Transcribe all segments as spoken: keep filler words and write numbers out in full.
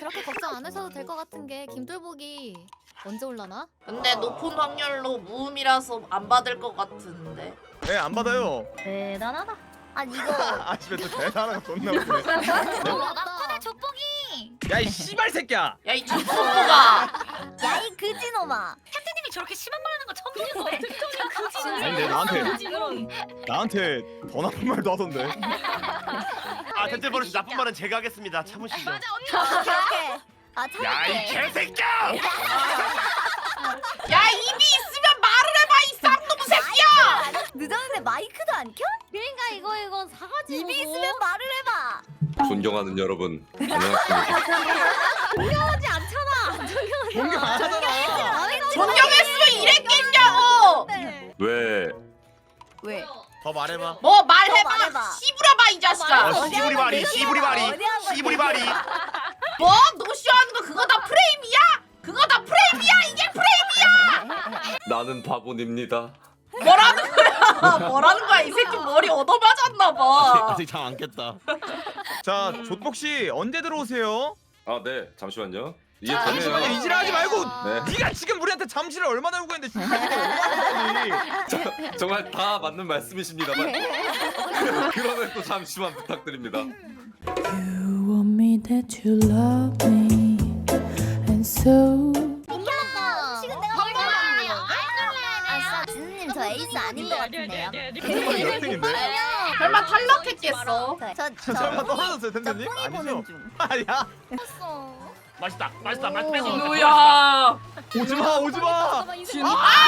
그렇게 걱정 안 하셔도 될 것 같은 게 김돌복이 언제 올라나? 근데 높은 확률로 무음이라서 안 받을 것 같은데. 네, 안 받아요. 대단하다. 아니 이거 아, 집에 또 대단한 거 존나 웃네. 나쁘네 족보기. 야, 이 씨발 새끼야. 야 이 족보가. 야이 그지놈아. 캡틴님이 저렇게 심한 말 하는 거 처음 보는 거야. 그지. 아니, 근데 나한테 나한테 더 나쁜 말도 하던데. 아 텐트 버릇 나쁜 말은 제가 하겠습니다. 참으시죠. 맞아 언니. 오케이 오케이. 아 야 이 참을게. 개새끼야! 야 입이 있으면 말을 해봐 이 쌍놈 새끼야. 늦었는데 마이크도 안 켜? 그러니까 이거 이거 사가지. 입이 있으면 말을 해봐. 존경하는 여러분 안녕하십니까. 존경하지 않잖아. 존경하지 공격 안 하잖아. 존경했으면 이랬겠냐고. 네. 왜 왜? 더 말해봐. 뭐 더 말해봐. 말해봐. 씨부려봐 이 자식아. 어, 씨부리 바리, 씨부리 바리, 씨부리 바리. 뭐 노쇼하는 거 그거 다 프레임이야? 그거 다 프레임이야? 이게 프레임이야? 나는 바보입니다. 뭐라는 거야? 뭐라는 거야? 이 새끼 머리 얻어맞았나 봐. 아직 잠 안 깼다. 자, 족복 씨 언제 들어오세요? 아 네 잠시만요. 이게 자, 잠시만요. 되네요. 이질하지 말고. 네. 네가 지금 우리한테 잠시를 얼마나 요구 했는데 얼마나 저, 정말 다 맞는 말씀이십니다만 그러면 또 잠시만 부탁드립니다. You want me that you love me, and so. 음식은 내가 먹어야 아싸 진우님 저 에이스 아닌 것 같은데요. 텐트머리 몇 등인데? 설마 탈락했겠어? 저저 설마 떨어졌어요, 저 텐트님? 뽕이 보는 아니죠? 중. 아야. 맛있다, 맛있다, 맛 뺏어. 누야. 오지 마, 오지 마. 진우.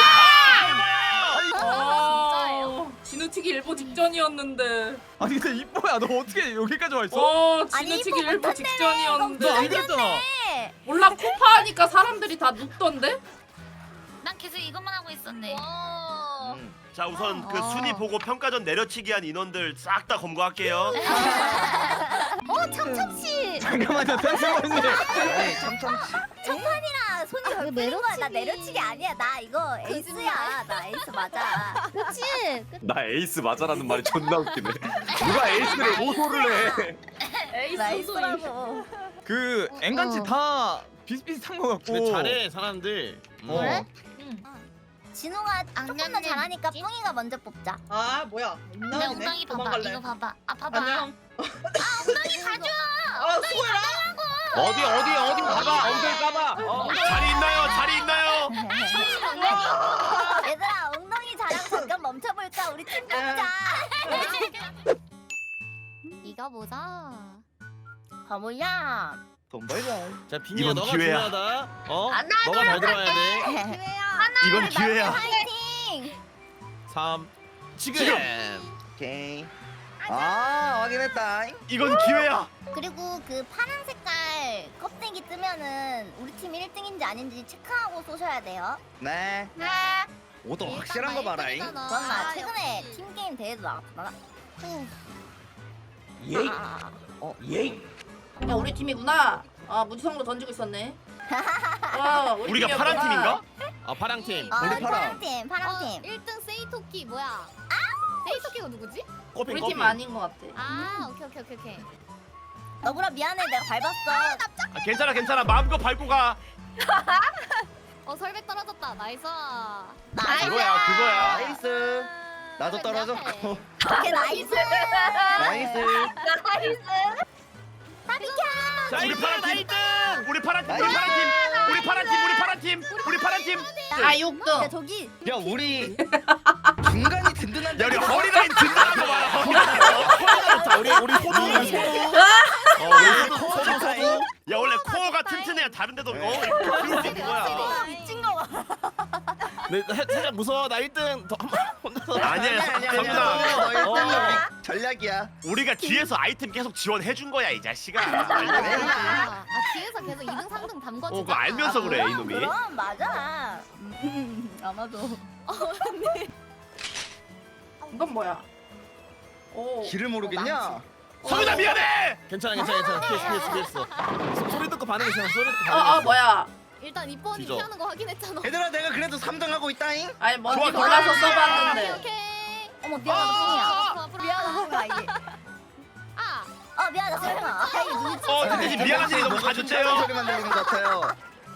아, 진우치기 일보 직전이었는데. 아니 근데 이뻐야, 너 어떻게 여기까지 와 있어? 어, 아니, 진우치기 이뻐 일보 못한다며. 직전이었는데. 너 안 그랬잖아. 네. 몰라 코파 하니까 사람들이 다 눕던데? 난 계속 이것만 하고 있었네. 음. 자 우선 그 어. 순위 보고 평가전 내려치기 한 인원들 싹 다 검거할게요. 어 참참씨. 잠깐만요, 텐트머리님. 첫판이라 손이 아, 덜 내는 거야. 나 내려치기 아니야. 나 이거 에이스야. 나 에이스 맞아. 그렇지. 나 에이스 맞아라는 말이 존나 웃기네. 누가 에이스를 오소를 해? 나 에이스라고. 그 앵간치 어. 다 비슷비슷한 거 같고. 근데 잘해 사람들. 어. 그래? 진호가 조금 더 악년은 잘하니까 뭐지? 뽕이가 먼저 뽑자. 아 뭐야? 내 엉덩이네. 엉덩이 봐봐. 도망갈래. 이거 봐봐. 아 봐봐. 안녕. 엉덩이 가져. 아 수고해라. 어디 어디 어디 가봐. 엉덩이 까봐. 어. 자리 있나요? 자리 있나요? 얘들아 엉덩이 자랑 잠깐 멈춰볼까? 우리 팀 뽑자. 이거 보자. 가보자. 돈 벌자. 자 빈이야 이번 너가 기회야. 중요하다. 어? 아, 나 너가 잘 들어야 돼. 기회야. 이건 기회야. 파이팅. 삼. 지금. 지금. 오케이. 아 확인했다. 이건 기회야. 그리고 그 파란 색깔 껍데기 뜨면은 우리 팀 일 등인지 아닌지 체크하고 쏘셔야 돼요. 네. 네. 오더 확실한 거 봐라잉. 그럼 나 최근에 팀 게임 대회도 나갔다. 예이. 아, 어 예이. 야 우리 팀이구나. 아 무지성으로 던지고 있었네. 아, 우리 우리가 파란 팀이었구나. 팀인가? 아 파랑 팀. 아, 우리 파란 파랑. 팀, 파란 어, 팀. 일 등 세이토끼 뭐야? 세이토끼가 누구지? 꼬핑 우리 꼬핑. 팀 아닌 것 같아. 아, 오케이 오케이 오케이 오케이. 너구라 미안해, 내가 밟았어. 아, 괜찮아 괜찮아 마음껏 밟고 가. 어, 설백 떨어졌다. 나이스. 나이스. 그거야 그거야. 나이스. 나도 떨어졌고. 오케이, 나이스. 나이스. 나이스. 나 비켜. 자 우리 파란 팀. 우리 파란 팀. 우리 파란 팀. 우리 파란 팀. 우리 파란 팀. 우리 파란 팀. 아 육 야, 등. 저기. 야 우리 중간이 든든한. 야 우리 허리라인 든든한 거 봐라. 허리라인. 자 우리 우리 호두 호두. 어 우리 호두 호두 호두. 야 원래 코어가 튼튼해야 다른데도 어 이렇게 키울 수 있는 거야. 아, 미친 거 봐. 내 살짝 무서워. 나 일 등 더 혼자서. 아니야 성준아. 너 일 등이 어. 우리 전략이야. 우리가 뒤에서 아이템 계속 지원해 준 거야 이 자식아. 아, 아, 뒤에서 계속 이 등, 삼 등 담궈주자. 어 그거 알면서 그래 이놈이. 그럼 맞아. 음, 아마도. 이건 뭐야? 오. 길을 모르겠냐? 성준아 미안해. 괜찮아 괜찮아 괜찮아. 피했어 피했어 피했어. 소- 소리 듣고 반응했어. 소리 듣고 아, 아 반응했어. 뭐야? 일단 이뻐언니 뒤져. 피하는 거 확인했잖아. 얘들아 내가 그래도 삼 등 하고 있다잉. 아니 뭔지 좋아, 좋아. 몰라서 오케이 써봤는데. 오케이. 어머, 미안하다, 뿡이야. 앞으로 앞으로 미안하다, 뿡아, 이게. 아, 어 미안하다 소영아. 아 이게 눈치. 어 근데 지금 미안한 일이 너무 가졌대요. 소리만 들리는 것 같아요.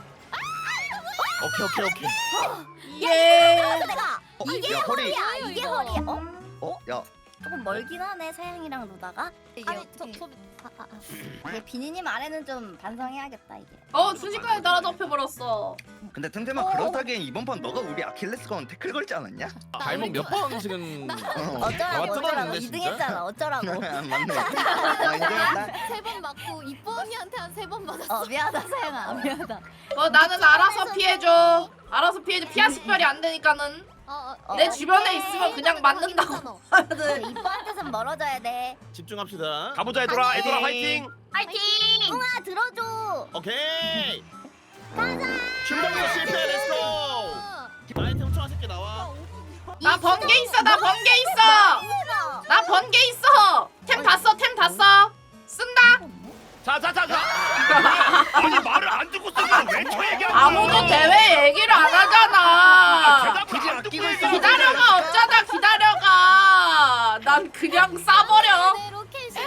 오케이 오케이 오케이. 예. 내가 어, 이게 야, 허리. 허리야. 이게 허리야. 어? 어? 야 조금 멀긴 하네 사양이랑 로다가. 아니 저 저. 아, 아, 아. 이게 비니님 아래는 좀 반성해야겠다 이게. 어 순식간에 따라잡혀 버렸어. 근데 템템아 그렇다기엔 이번 판 너가 우리 아킬레스건 태클 걸지 않았냐? 발목 몇 번 지금 어. 나와 어쩌라고 어쩌라고 뜯었는데, 이 등 진짜? 했잖아 어쩌라고. 맞네. 아 인정했다. 세 번 맞고 이뻐 언니한테 한 세 번 맞았어. 어 미안하다 사양아 미안하다. 어 나는 알아서 피해줘. 알아서 피해줘. 피하 식별이 안 되니까는 어, 어, 내 어, 주변에 있으면 그냥 맞는다고. 이뻐한테선 멀어져야 돼. 집중합시다. 가보자 얘들아. 얘들아 화이팅. 파이팅! 뿡아 들어줘. 오케이. 춘봉이 실패. 렛츠고. 아이템 총 새끼 나와. 나 번개 있어. 나 번개 있어. 나 번개 있어. 템 다 써. 템 다 써. 쓴다. 자자자자. 아니 말을 안 듣고 쓰면 왜 저 얘기하는 거야? 아무도 대회 얘기를 안 하잖아. 대답을 안 듣고 있어. 기다려가 없잖아. 기다려가. 난 그냥 싸버려. 로켓이.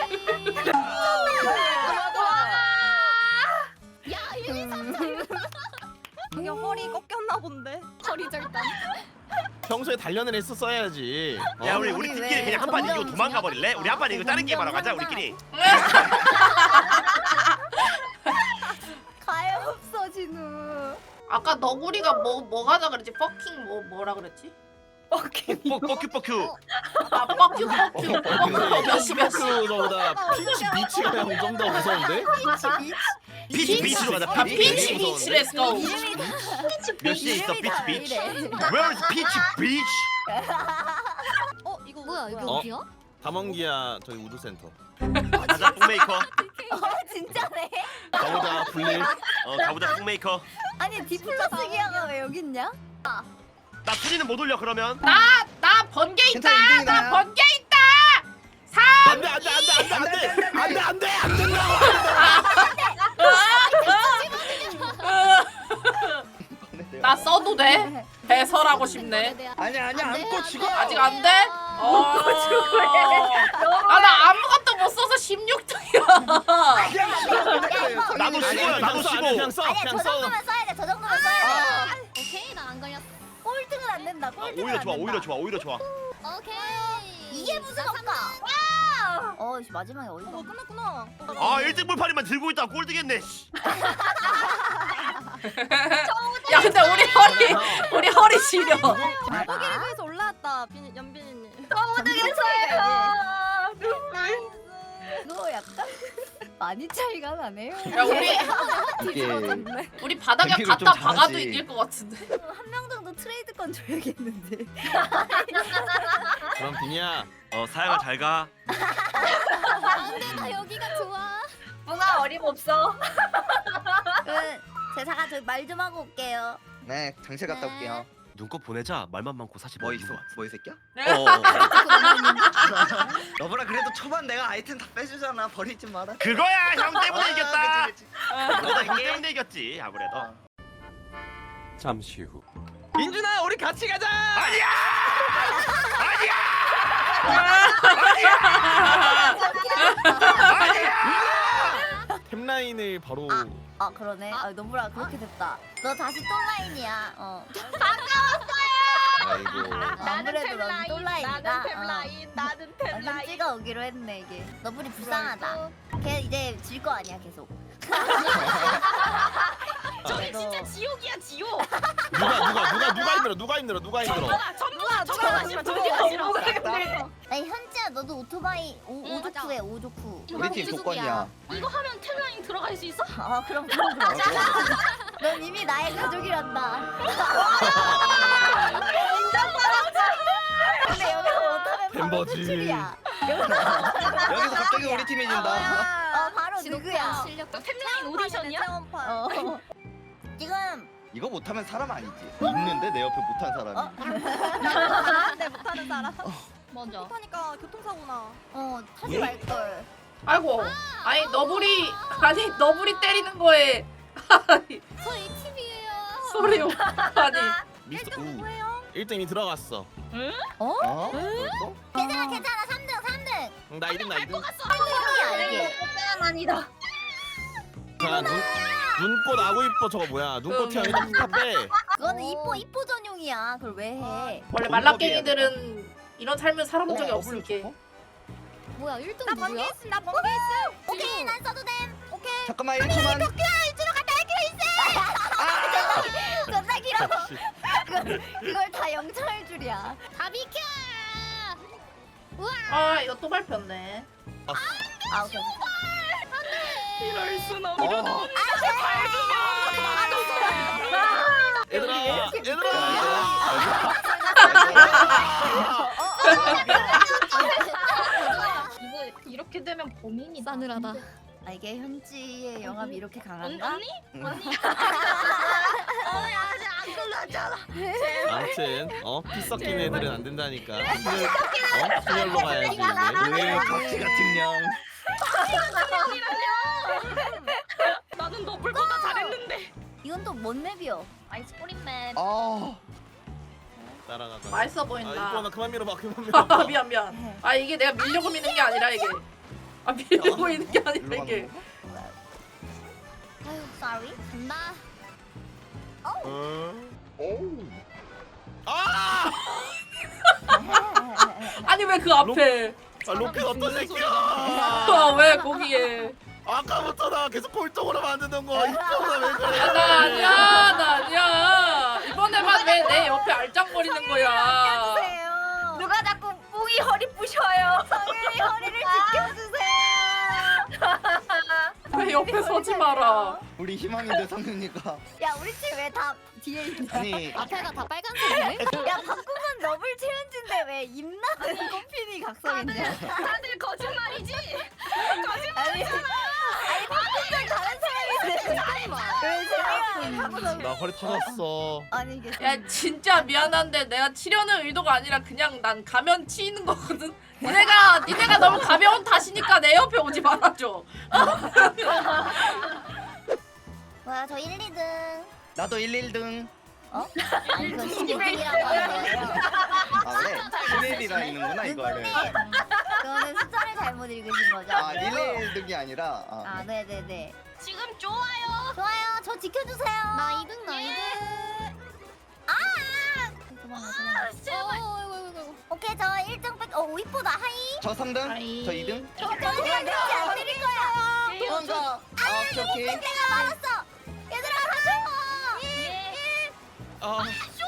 야, 일, 이, 삼, 사. 이게 허리 꺾였나 본데. 허리 절단. 평소에 단련을 했었어야지. 어? 야 우리 우리 우리 팀끼리 왜 그냥 한 판 이기고 점점 도망가 버릴래? 우리 한 판 이기고 다른 점점 게임 하러 가자 점점. 우리끼리. 가요 없어 진우. 아까 너구리가 뭐 뭐 가자 그랬지? 퍼킹 뭐 뭐라 그랬지? 뻑기. 뻑큐 뻑큐. 아 퍼큐 퍼큐 퍼큐 몇시 몇시 그거보다 피치 비치가 형 좀 더 무서운데? 피치 비치로 가자. 아 피치 피치 비치. 비치 렛츠고. 몇 시에 있어 피치 비치? 이래. Where is 피치 비치? 어, 이거 뭐야? 이거 어? 어디야? 담원기야 저기 우드센터. 가자 뿡메이커. 어 진짜네. 가보자 불릴. 어 가보자 뿡메이커. 아니 디플러스 기아가 왜 여기 있냐? 나 순위는 못 올려 그러면. 나 나 번개 있다. 괜찮아, 이 등이다. 나 번개 있다. 삼. 안돼 안돼 안돼 안돼 안돼 안돼 안 된다고. 나 써도 돼? 배설하고 싶네. 아니야 아니야 안 돼, 안고 안 죽어. 돼. 아직 안 돼? 어. 아나 아무것도 못 써서 십육 등이야. 나도 쉬고요, 나도 쉬고. 그냥 써 아니야 그냥 저 써. 정도면 써야 돼. 저 정도면 써야 돼. 오케이, 나 안 걸렸어. 꼴등은 안 된다. 아, 꼴등은 오히려 안 좋아 된다. 오히려 좋아 오히려 좋아. 오케이. 이게 무슨 없까? 어, 씨, 마지막에 어이가. 어, 끝났구나. 아 일 등 불판이만 들고 있다 꼴등했네. 씨. 야 근데 우리 허리 우리 허리 시려. 포기를 올라왔다, 빈, 연빈이님. 아, 이거 약간 많이 차이가 나네요. 야 우리 이게 우리 바닥에 뱀피를 갖다 좀 박아도 잘하지. 이길 것 같은데. 한 명 정도 트레이드권 줘야겠는데. 그럼 비니야. 어 사양아 잘 가. 안돼, 나 여기가 좋아. 뭔가 어림없어. 그 제사가 저 말 좀 하고 올게요. 네 장실 갔다 올게요. 눈꽃 보내자. 말만 많고 사실 뭐 있어? 뭐 이 새끼야? 어. 여보라 그래도 초반 내가 아이템 다 빼주잖아. 버리지 마라. 그거야 형 때문에 아, 이겼다. 그치, 그치. 너도 형 때문에 이겼지 아무래도. 잠시 후. 민준아 우리 같이 가자. 아니야. 아니야. 템라인을 바로. 아 그러네. 아 너무라 그렇게 됐다. 너 다시 똘라인이야. 어. 아이고. 아무래도 넌 똘라인이다. 나는 템라인, 나는 어. 완전 찍어 오기로 했네 이게. 너블이 불쌍하다. 걔 이제 질 거 아니야 계속. 저기 진짜 지옥이야 지옥. 누가 누가 누가 누가 힘들어 누가 힘들어 누가 힘들어. 전부가 저거가 싫어 저거가 싫어. 아니 현지야 너도 오토바이 오, 응, 오조쿠해 오조쿠. 우리 팀 조건이야. 이거 하면 텔라인 들어갈 수 있어? 아 그럼 그럼 그럼. 넌 이미 나의 가족이란다. 인정받았지. 근데 여기서 못하면 바로 멤버지. 퇴출이야. 여기서 갑자기 우리 팀이 진다. 어 바로 누구야? 실력. 텔라인 오디션이야? 어. 지금 이거 못하면 사람 아니지. 있는데 내 옆에 못한 사람이. 어? 내 못하는 사람. 먼저. 못하니까 교통사고나. 어 타지 말 걸. 아이고. 아니 너구리 아니 너구리 때리는 거에 아니, 저 에이티비예요. 소리요. 아니 미스터 우. 일 등이 들어갔어. 어? 벌써? 괜찮아 괜찮아 삼 등 삼 등. 응, 나 이 등 나 이 등. 일 등이야 이게. 아니다. 자, 눈 눈꽃 아구 이뻐 저거 뭐야? 눈꽃 튀어 일단 다 빼. 그거는 이뻐 이뻐 전용이야. 그걸 왜 해? 원래 말라깽이들은 이런 삶을 살아본 적이 없을게. 뭐야 일 등 나 누구야? 번개 있음. 나 번개 있음. 오케이 난 써도 됨. 오케이. 잠깐만 일 초만. 일주로 갔다 길어 있어. 존나 길어. 그걸, 그걸 다 영창할 줄이야. 다 비켜. 아 이거 또 발표네. 아 오케이. 이럴 순 어. 없는. 얘들아, 얘들아. 이거 이렇게 되면 범인이다. 싸늘하다. 아 이게 현지의 영합이 이렇게 언니? 강한가? 언니? 응. 언니? 언니 아직 안 끝났잖아. 아무튼 어? 피 섞인 애들은 안 된다니까. 순혈, 어? 순혈로 가야지. 왜 각시 같은 년. 나는 너블보다 잘했는데. 이건 또 뭔 맵이요? 아이스크림 맵. 아 따라가자. 맛있어 아, 이거 보인다. 나 그만 밀어봐, 그만 아 밀어봐. 미안 미안. 아 이게 내가 밀려고 미는 게 아니라 이게. 아 밀려고 미는 게 아니라 일로 이게. 가는 거? 아유 sorry. 간다. 아! 아니 왜 그 앞에? 아, 로켓 어떤 새끼야? 아, 왜 거기에? 아까부터 나 계속 골동으로 만드는 거 이쁘다 왜 그래? 아, 나 아니야 나 아니야. 이번에만 왜 내 옆에 알짱거리는 거야? 주세요. 누가 자꾸 뿡이 허리 부셔요. 성윤이 허리를 지켜주세요. 왜 옆에 서지 마라. 우리 희망인데 성윤이가. 야 우리 팀 왜 다 뒤에 있냐? 아니 앞에가 다 빨간색이네. 야 바꾸면 너블 챌린지인데 왜 임나는 꽃핀이 각성이냐? 다들 거짓말이지. 아니 아니 바꾸면 다른 사람인데 왜 제가 각성? 나 허리 터졌어. 아니 이게 야 진짜 미안한데 내가 치려는 의도가 아니라 그냥 난 가면 치이는 거거든. 니네가 니네가 너무 가벼운 탓이니까 내 옆에 오지 말아줘. 뭐야 저 일, 이 등. 나도 일, 일 등. 어? 아니 그건 십일 등이라고 하는 거예요. 아 그래? 십일이라 있는구나 이거를. 그거는 숫자를 잘못 읽으신 거죠? 아 일, 일 등이 아니라. 아, 아 네네네. 지금 좋아요. 좋아요. 저 지켜주세요. 나 이 등 나 이 등. 아! 도망가 도망가. 제발. 어, 아이고 아이고 아이고. 오케이 저 일 등 백. 어 이쁘다 하이. 저 삼 등? 아이. 저 이 등? 저 저는 왠지 안 드릴 거야. 도망가. 아 오케이 오케이. 내가 말았어. 얘들아 가져. 아,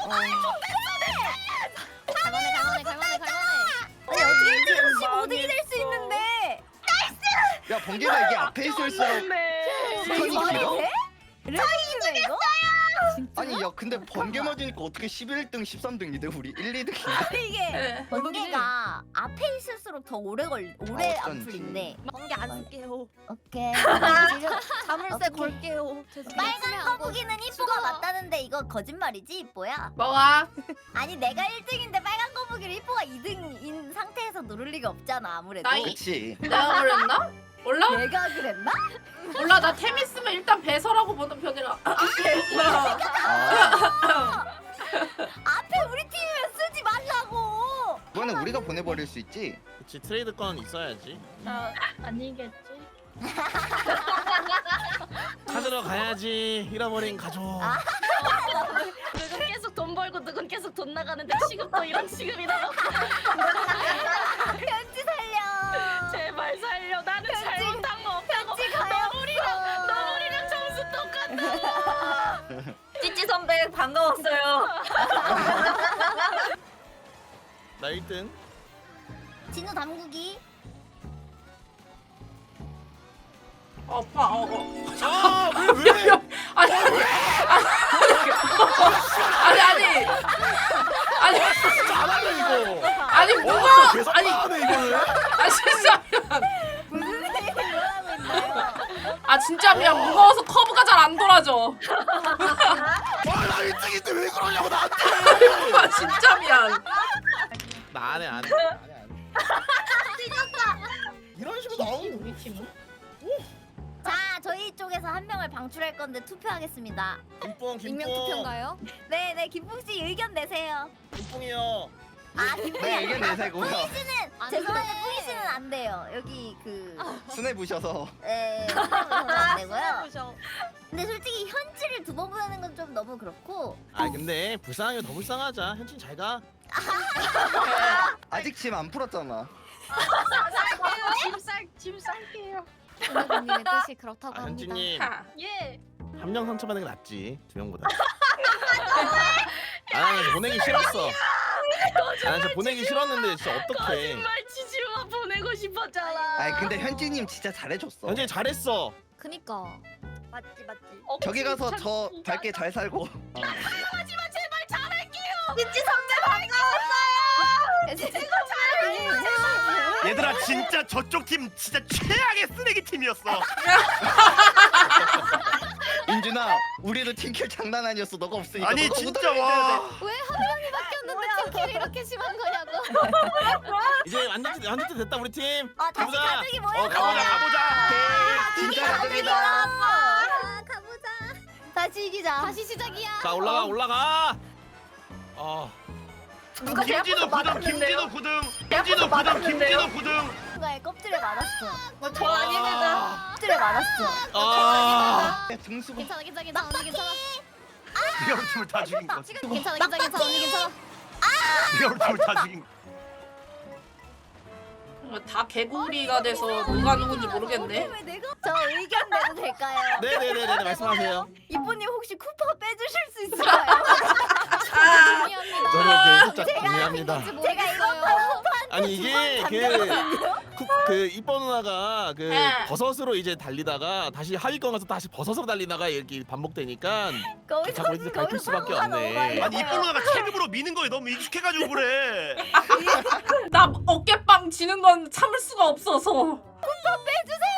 갈만해 갈만해 갈만해 갈만해. 아니 어떻게 일 등 십오 등이 될 수 있는데? 야 번개가 이게 앞에 있을수록 스턴이 길어? 차이네 이거? 아니 야 근데 번개 맞으니까 어떻게 십일 등, 십삼 등이 돼? 우리 일, 이 등인데? 이게 네. 번개가 앞에 있을수록 더 오래 걸 오래 아, 안 어쩐지. 풀린대. 번개 안 쓸게요. 오케이. 지금 자물쇠 오케이. 걸게요. 빨간 거북이는 이뽀가 맞다는데 이거 거짓말이지 이뽀야? 뭐가? 아니 내가 일 등인데 빨간 거북이를 이뽀가 이 등인 상태에서 누를 리가 없잖아 아무래도. 나이- 그치. 내가 그랬나? 몰라? 내가 그랬나? 몰라 나 템 있으면 일단 배설하고 보는 편이라. 아, 앞에 우리 팀이면 쓰지 말라고. 그거는 우리가 보내버릴 수 있지. 그치 트레이드권 있어야지. 나 아니겠지. 찾으러 가야지. 잃어버린 가족. 누군 계속 돈 벌고 누군 계속 돈 나가는데 시급도 이런 시급이 나가. 편지 살려. 제발 살려. 나는 편지- 잘못한 거 없다고. 편지 가요. 너물이랑 너물이랑 점수 똑같다. 찌찌 선배 반가웠어요. 나 일 등. 진우 담그기. 아파. 어, 어. 아, 왜 왜? 아니 아니 아니 아니 잘하네 이거. 아니 뭐가 어, 계속 아니 하네 이거를. 아 진짜 미안. 무슨 일이 일어나고 있나요? 아 진짜 미안. 무거워서 커브가 잘 안 돌아져. 와나 일 등인데 왜 그러냐고 나한테. 아 진짜 미안. 나 안해 안해. 이런 식으로 나오는 우리 팀은? 자 저희 쪽에서 한 명을 방출할 건데 투표하겠습니다. 김뽕 익명 김뽕. 투표인가요? 네네 김풍 씨 의견 내세요. 김뽕이요. 아 근데 내 의견 내세고요. 안 죄송한데 돼. 뿌리씨는 안 돼요. 여기 그 순회 부셔서. 에, 안 되고요. 보셔. 근데 솔직히 현지를 두 번 보내는 건 좀 너무 그렇고. 아 근데 불쌍하게 더 불쌍하자. 현진 잘 가. 아직 짐 안 풀었잖아. 짐쌀 짐 쌀게요. 선배님의 뜻이 그렇다고 아, 합니다. 현진님 하. 예. 한 명 상처받는 게 낫지 두 명보다. 아, 나 보내기 싫었어. 아, 나 진짜 보내기 싫었는데 진짜 어떡해. 거짓말 치지마 보내고 싶었잖아. 아니 근데 현지님 진짜 잘해줬어. 현진 잘했어. 그니까. 맞지 맞지. 어, 저기 가서 진짜 저 진짜. 밝게 잘 살고. 하지만 제발 잘할게요. 민지 선배 반가웠어요. 얘들아 진짜 저쪽 팀 진짜 최악의 쓰레기 팀이었어. 인준아, 우리도 팀킬 장난 아니었어. 너가 없으니까. 아니 너가 진짜 우승해줘야 와. 왜 한 명이 바뀌었는데 팀킬이 이렇게 심한 거냐고. 이제 완전 완전 됐다 우리 팀. 아 다시 가보자. 가족이 모여. 어, 가보자 가보자. 돼. 진짜 가족이다. 아, 가보자. 다시 이기자. 다시 시작이야. 자 올라가 올라가. 아 누가 김진우 구등 김진우 구등 김진우 구등 김진우 구등. 누가의 껍질에 맞았어. 저 아닙니다. 껍질에 맞았어. 아. 등수가. 괜찮아 괜찮아 괜찮아 언니 괜찮아. 네가 우리 팀을 다 죽인 거지. 괜찮아 괜찮아 괜찮아 언니 괜찮아. 네가 우리 팀을 다 죽인 거. 다 개구리가 돼서 누가 누군지 모르겠네. 왜 내가? 저 의견 내도 될까요? 네네네네 말씀하세요. 이쁜님 혹시 쿠파 빼주실 수 있을까요? 아, 동의합니다. 저도 그 살짝 동의합니다. 제가 이거 아니 이게 그, 그 이뻐 누나가 그 네. 버섯으로 이제 달리다가 다시 하위권 가서 다시 버섯으로 달리다가 이렇게 반복되니까 거기서 자꾸 이렇게 밟힐 수밖에 없네. 아니 이쁜 누나가 체급으로 미는 거에 너무 익숙해가지고 그래. 나 어깨빵 지는 건 참을 수가 없어서. 빼주세요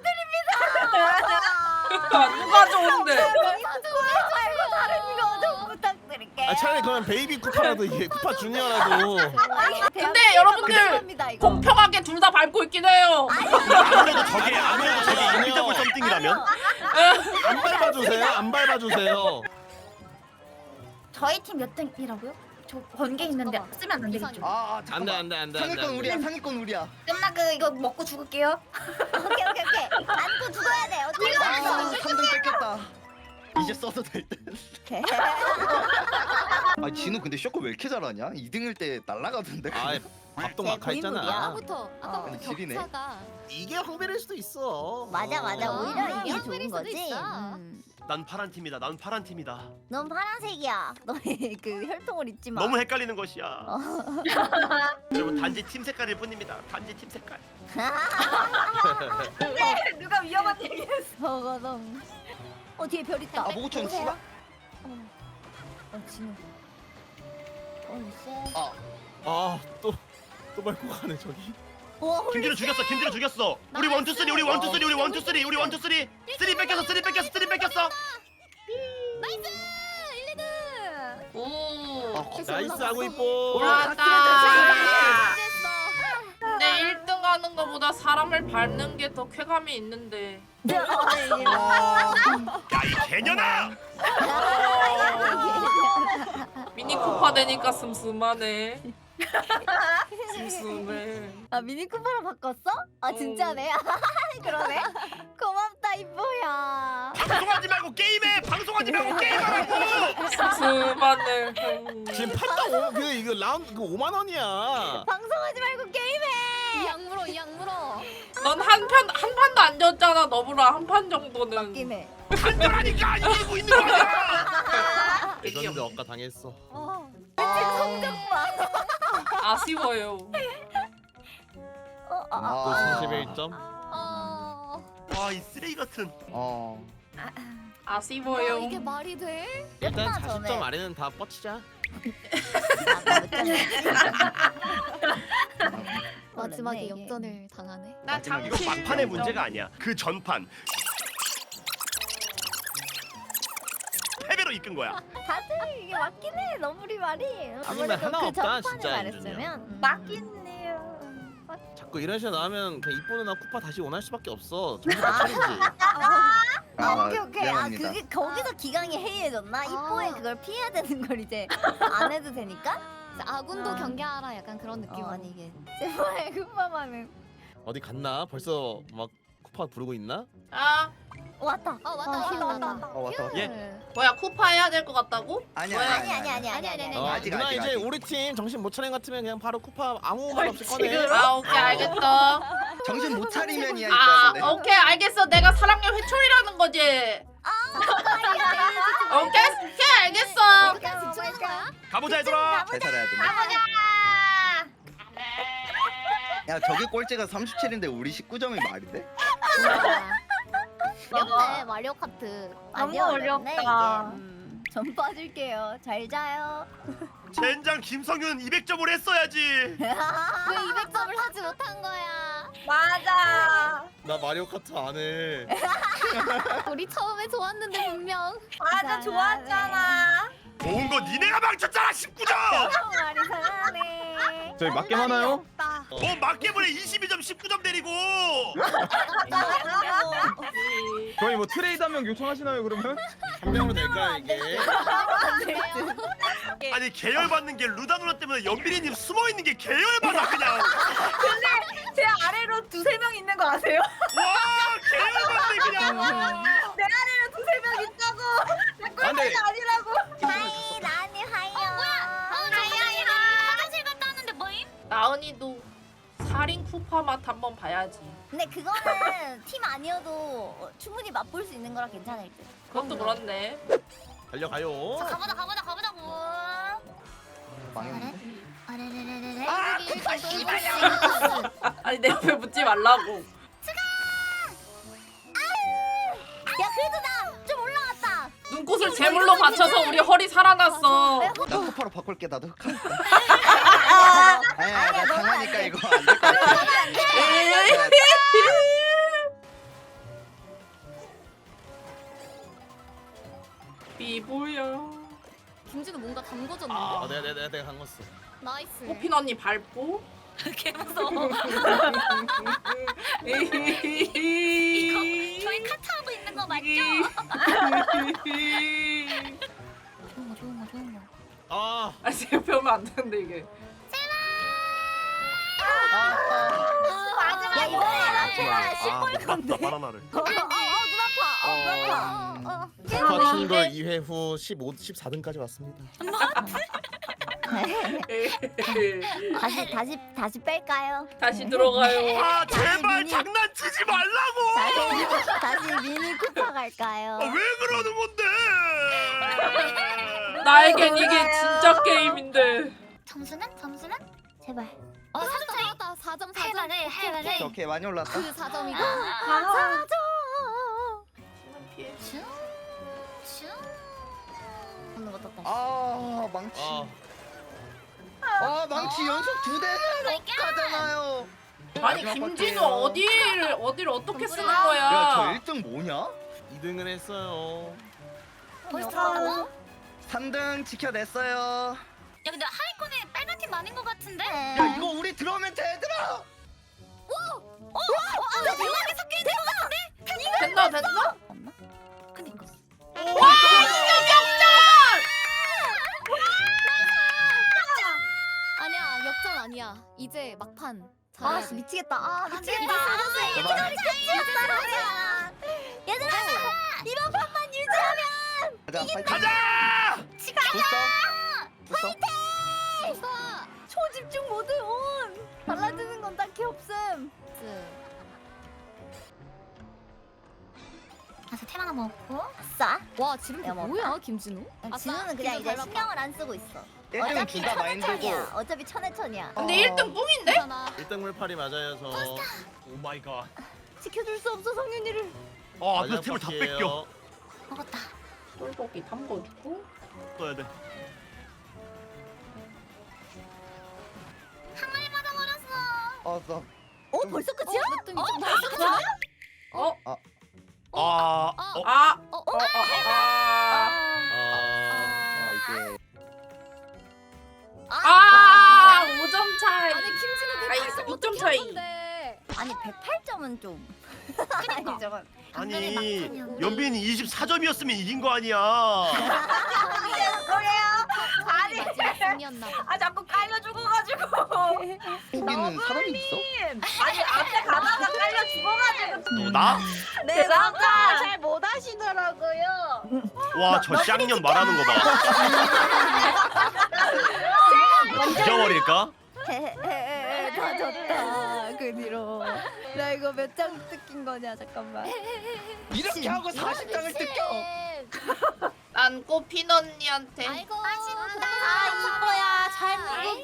부탁드립니다. 누가 좋은데? 말고 다른 거 좀 부탁드릴게요. 아 차라리 그러면 베이비 쿠파라도 이게 쿠파 주니어라도. 근데 여러분들 공평하게 둘 다 밟고 있긴 해요. 아무래도 저게 아무래도 저게 아니요. 인비더블 썸띵이라면. 안 밟아주세요. 안 밟아주세요. 저희 팀 몇 등이라고요? 저 번개 있는데 잠깐만. 쓰면 안 되겠죠? 아, 아 안돼 잠깐만. 안돼 안돼. 상위권 우리야. 상위권 우리야. 끝나 그 이거 먹고 죽을게요. 오케이 오케이 오케이. 안고 죽어야 돼. 어떻게 아, 삼 등 뺏겼다. 이제 써도 될 듯. 아, 진우 근데 쇼크 왜 이렇게 잘하냐? 이 등일 때 날라가던데. 아 밥도 제 막하 있잖아. 고인물이야. 아까부터 아까부터 아니, 지리네. 격차가. 이게 황배일 수도 있어. 맞아 맞아. 어. 오히려 아, 이게 이런 좋은 수도 거지. 있어. 음. 난 파란 팀이다. 난 파란 팀이다. 넌 파란색이야. 너의 그 혈통을 잊지 마. 너무 헷갈리는 것이야. 여러분 단지 팀 색깔일 뿐입니다. 단지 팀 색깔. 누가 위험한 얘기했어. 버거동. 어 뒤에 별 있다. 아, 모구촌 보세요. 씨발. 어, 어 진우. 어 쎄. 아, 아또 또 밟고 가네 저기. 와 김진우 죽였어. 김진우 죽였어. 우리 원투 쓰리 우리 원투 쓰리 우리 원투 쓰리 우리 원투 쓰리 쓰리 뺏겼어. 쓰리 뺏겼어. 쓰리 뺏겼어. 나이스 일, 이 등. 오. 아, 나이스 하고 이뻐. 올라왔다. 됐어. 근데 일 등 하는 거보다 사람을 밟는 게 더 쾌감이 있는데. 아, 야 이 개년아. 미니 쿠파 되니까 슴슴하네. 슴슴해. 아 미니 쿠퍼로 바꿨어? 아 진짜네. 그러네. 고맙다 이뻐야. 방송하지 말고 게임해. 방송하지 말고 게임하라고. 슴슴하네. 지금 판다 오, 그 이거 라운드 그 오만 원이야. 방송하지 말고 게임해. 이 약물어 이 약물어. 넌 한 편 한 판도 안 졌잖아. 너보라 한 판 정도는. 맞긴 해. 간절하니까 이기고 있는 거야. 레전드 억까 당했어. 어. 아. 성적 봐. 아쉬워요. 어, 아, 아. 또 아, 삼십일 점. 어. 와 이 쓰레기 같은. 어. 와, 아쉬워요. 이게 말이 돼? 일단 끝나 사십 점 전에. 아래는 다 뻗치자. 마지막에 이게. 역전을 당하네. 나 이거 잠시 막판의 문제가 아니야. 그 전판. 패배로 이끈 거야. 다들 이게 맞긴 해. 너무리 말이. 아니면 하나 그 없다, 전판을 진짜, 말했으면 음. 맞긴 해요. 자꾸 이런 식으로 나오면 그냥 이뻐 누나 쿠파 다시 원할 수밖에 없어. 정신 못 차리지. 아, 오케이 오케이. 아 미안합니다. 그게 거기서 기강이 해이해졌나? 아. 이뽀에 그걸 피해야 되는 걸 이제 안 해도 되니까? 아군도 어. 경계하라 약간 그런 느낌 어. 아니게. 제발 쿠파만은. 어디 갔나? 벌써 막 쿠파 부르고 있나? 아 왔다. 어 왔다 어, 왔다 왔다, 왔다. 어 왔다. 휴. 예. 뭐야 쿠파 해야 될 것 같다고? 아니야 뭐야? 아니 아니 아니 아니 아니 아니. 어, 아직, 누나 아직, 이제 아직. 우리 팀 정신 못 차린 것 같으면 그냥 바로 쿠파 아무 말 없이 꺼내. 지금? 아 오케이 알겠어. 정신 못 차리면이야 아 이거는데. 오케이 알겠어. 내가 사랑의 회초리라는 거지. 오케이 오케이 알겠어. 끝까지 집중하는 거야? 가보자 얘들아. 잘 살아야 돼. 야 저기 꼴찌가 삼십칠인데 우리 십구 점이 말이 돼? 어렵네 마리오 카트. 너무 어렵다. 전 빠질게요. 잘 자요. 젠장 김성윤 이백 점을 했어야지. 왜 이백 점을 하지 못한 거야? 맞아. 나 마리오 카트 안 해. 우리 처음에 좋았는데 분명. 맞아 좋았잖아. 좋은 거 니네가 망쳤잖아 십구 점. 말이 잘하네. 저희 맞게 하나요? 뭐 맞게보내 이십이 점 십구 점 데리고. 저희 뭐 트레이드 한 명 요청하시나요 그러면? 한 명으로 될까 이게? 아니 계열 받는 게 루다 누나 때문에 연빈이님 숨어 있는 게 계열 받아 그냥. 제 아래로 두세 명 있는 거 아세요? 와 계열 받네 그냥. 내 아래로 두세 명 있다고. 내 아, 근데- 꼴찌가 아니라고. 하이 나니 하이요. 하이하이. 화장실 갔다 왔는데 뭐임? 나은이도 살인 쿠파 맛 한번 봐야지. 근데 그거는 팀 아니어도 충분히 맛볼 수 있는 거라 괜찮을 듯. 그것도 그렇네. 달려가요. 가보자 가보자 가보자고. 망했네. 아래래래래래. 아 여기 쿠파 저기 씨발이야. 아니 내 옆에 붙지 말라고. 야 그래도 나 좀 올라왔다. 눈꽃을 제물로 바쳐서 우리 허리 살아났어. 나 쿠파로 바꿀게 나도. 아니야 나 당하니까 이거 안 될 것 같아. 비보야. 김진우 뭔가 담궈졌는데. 아. 어, 내가 내가 내가, 내가 담궜어. 나이스. 꽃핀 언니 밟고. 개 무서워. 저희 카트하고 있는 거 맞죠? 좋은 거 좋은 거 좋은 거. 아, 아 제 옆에 오면 안 되는데 이게. 야 이번에 앞에가 아 맞다 바나나를. 어어눈 아파. 어눈 아파. 어. 쿠파 팀돌 이 회 후 십오, 십사 등까지 왔습니다. 다시 다시 다시 뺄까요? 다시 들어가요. 아 제발 미니- 장난치지 말라고. 다시 다시 미니 쿠파 갈까요? 아, 왜 그러는 건데? 나에겐 이게 진짜 게임인데. 점수는 점수는 제발. 어 사 점 나왔다. 사 점 사 점. 해봐래 해봐래. 오케이, 오케이 많이 올랐다. 그 사 점이고. 사줘. 피해. 슝. 슝. 오는 거 떴다. 아 망치. 아, 아 망치 연속 두 대는 가잖아요. 아니 마지막 김진우 볼게요. 어디를 어디를 어떻게 쓰는 야 저 거야? 일 등 뭐냐? 이 등을 했어요. 벌써? 삼 등 지켜냈어요. 야 근데 하위권에 빨간 팀 많은 거 같은데? 야 이거 우리 들어오면 돼 얘들아. 어? 어? 나 대박에 섞여 있는 거 같은데? 됐나 됐나? 그니까. 와 역전! 아니야 역전 아니야. 이제 막판. 아 잘해야 돼. 미치겠다. 아 미치겠다. 제발. 얘들아 이번 판만 유지하면 가자 파이팅. 가자! 붙어. 붙어. 초집중 모드 온. 달라지는 건 딱히 없음. 가서 템 하나 먹고. 아싸. 와 지금 야, 뭐. 뭐야 김진우? 진우는 그냥 이제 신경을 안 쓰고 있어. 일 등 어차피 둘 다 마인드고. 천해천이야. 어차피 천해천이야. 근데 어. 일 등 뿡인데? 괜찮아. 일 등 물팔이 맞아요 저. 오 마이 갓. 지켜줄 수 없어 성윤이를. 아 마지막 앞에 템을 다 바퀴예요. 뺏겨. 먹었다. 똘보기 담궈주고. 떠야 돼. 한 마리 맞아버렸어. 어 나. 어 벌써 끝이야? 몇 등이죠? 벌써 끝이야? 어? 아. 어. 아. 어, 어, 어, 어, 어, 아. 아 이게. 아, 오 점 차이. 아니 김진우 아니, 그 오 점 차이. 아니 백팔 점은 좀. 아니 저건. 아니 연빈이 이십사 점이었으면 이긴 거 아니야. 뭐예요? 아니 중이었나 봐. 아 자꾸 깔려 죽어가지고. 여기는 사람이 있어? 아니 앞에 가다가 깔려 죽어가지고. 너 나? 네 남자 잘 못 하시더라고요. 와 저 쌍년 말하는 거 봐. 잊어버릴까? 다 졌다 그 뒤로. 나 이거 몇 장 뜯긴 거냐 잠깐만. 이렇게 하고 사십 장을 뜯겨. 난 꽃핀 언니한테. 아이고 아쉽다. 아 이뻐야 잘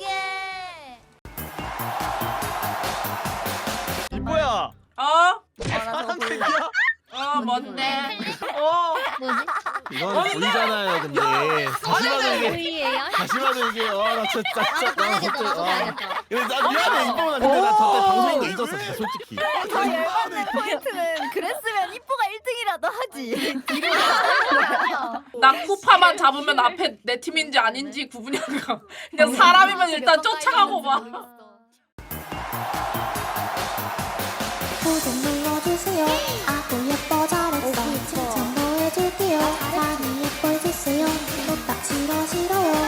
모르게. 이뻐야. 어? 파란색이야? 어 뭔데? 어. 뭐지? 이건 보이잖아요 근데 다시 봐도 이게 보이예요? 다시 봐도 이게 와나 진짜 진짜 나 진짜 와 봐야겠다. 이거 나 미안해 이뻐나 근데 나 저때 방송인 거 잊었어 진짜 솔직히 더 열받는 포인트는 그랬으면 이뻐가 일 등이라도 하지. 나 쿠파만 잡으면 앞에 내 팀인지 아닌지 구분이 안 가. 그냥 사람이면 일단 쫓아가고 봐. 구독 눌러주세요. 아구 예뻐 잘했어. 칭찬도 해줄게요. 많이 예뻐해주세요. 또딱 싫어 싫어요.